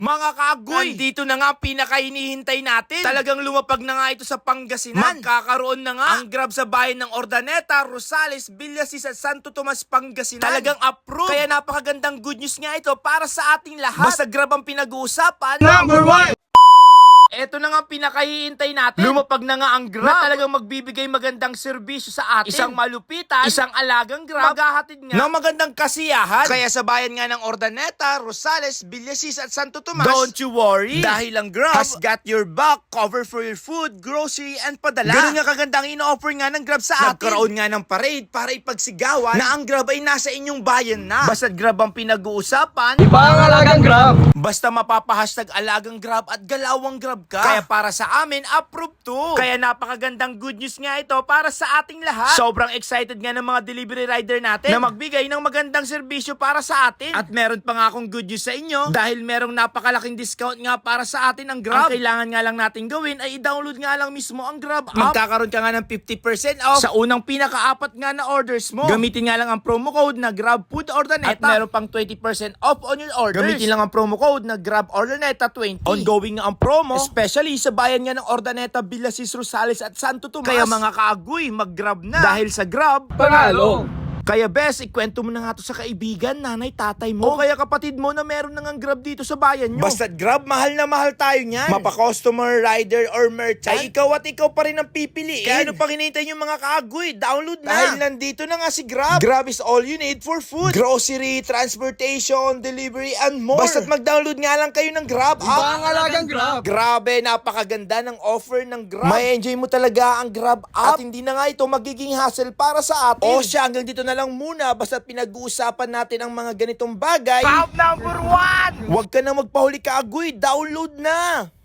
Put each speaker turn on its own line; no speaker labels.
Mga kaagoy, dito na nga ang pinakahinihintay natin. Talagang lumapag na nga ito sa Pangasinan. Magkakaroon na nga ang Grab sa bayan ng Urdaneta, Rosales, Villasis at Santo Tomas, Pangasinan. Talagang approved. Kaya napakagandang good news nga ito para sa ating lahat. Basta Grab ang pinag-uusapan.
Number 1!
Eto na nga ang pinakahihintay natin. Lumapag na nga ang Grab na talagang magbibigay magandang serbisyo sa atin. Isang malupitan, isang alagang Grab, maghahatid nga ng magandang kasiyahan. Kaya sa bayan nga ng Urdaneta, Rosales, Villasis at Santo Tomas, don't you worry, dahil ang Grab has got your back, cover for your food, grocery, and padala. Ganun nga kagandang ino-offer nga ng Grab sa atin. Nagkaroon nga ng parade para ipagsigawan na ang Grab ay nasa inyong bayan na. Basta't Grab ang pinag-uusapan,
Iba ang alagang Grab!
basta mapapahashtag alagang Grab at galawang Grab ka. Kaya para sa amin, approved to. Kaya napakagandang good news nga ito para sa ating lahat. Sobrang excited nga ng mga delivery rider natin na magbigay ng magandang serbisyo para sa atin. At meron pa nga akong good news sa inyo dahil merong napakalaking discount nga para sa atin ang Grab. Ang kailangan nga lang natin gawin ay i-download nga lang mismo ang Grab app. Magkakaroon ka nga ng 50% off sa unang pinakaapat nga na orders mo. Gamitin nga lang ang promo code na Grab Food Urdaneta. At meron pang 20% off on your orders. Gamitin lang ang promo code na Grab Urdaneta 20. Ongoing nga ang promo, especially sa bayan nga ng Urdaneta, Villasis, Rosales at Santo Tomas. Kaya mga kaagoy, mag-Grab na. Dahil sa Grab,
Panalo!
kaya bes, ikwento mo na nga to sa kaibigan, nanay, tatay mo. O kaya kapatid mo na meron nang Grab dito sa bayan nyo. Basta't Grab, mahal na mahal tayo niyan. Mapa-customer, rider, or merchant, ay ikaw at ikaw pa rin ang pipiliin. Kaya ano pang hinihintay nyo mga kaagoy? Download na. Dahil nandito na nga si Grab. Grab is all you need for food, grocery, transportation, delivery, and more. Basta't mag-download nga lang kayo ng Grab
Iba
app.
ang alagang Grab!
Grabe, napakaganda ng offer ng Grab. May enjoy mo talaga ang Grab app. At hindi na nga ito magiging hassle para sa atin. O siya, hanggang dito na lang muna. Basta pinag-uusapan natin ang mga ganitong bagay. Pop number 1! Huwag ka na magpahuli kaagoy. Download na!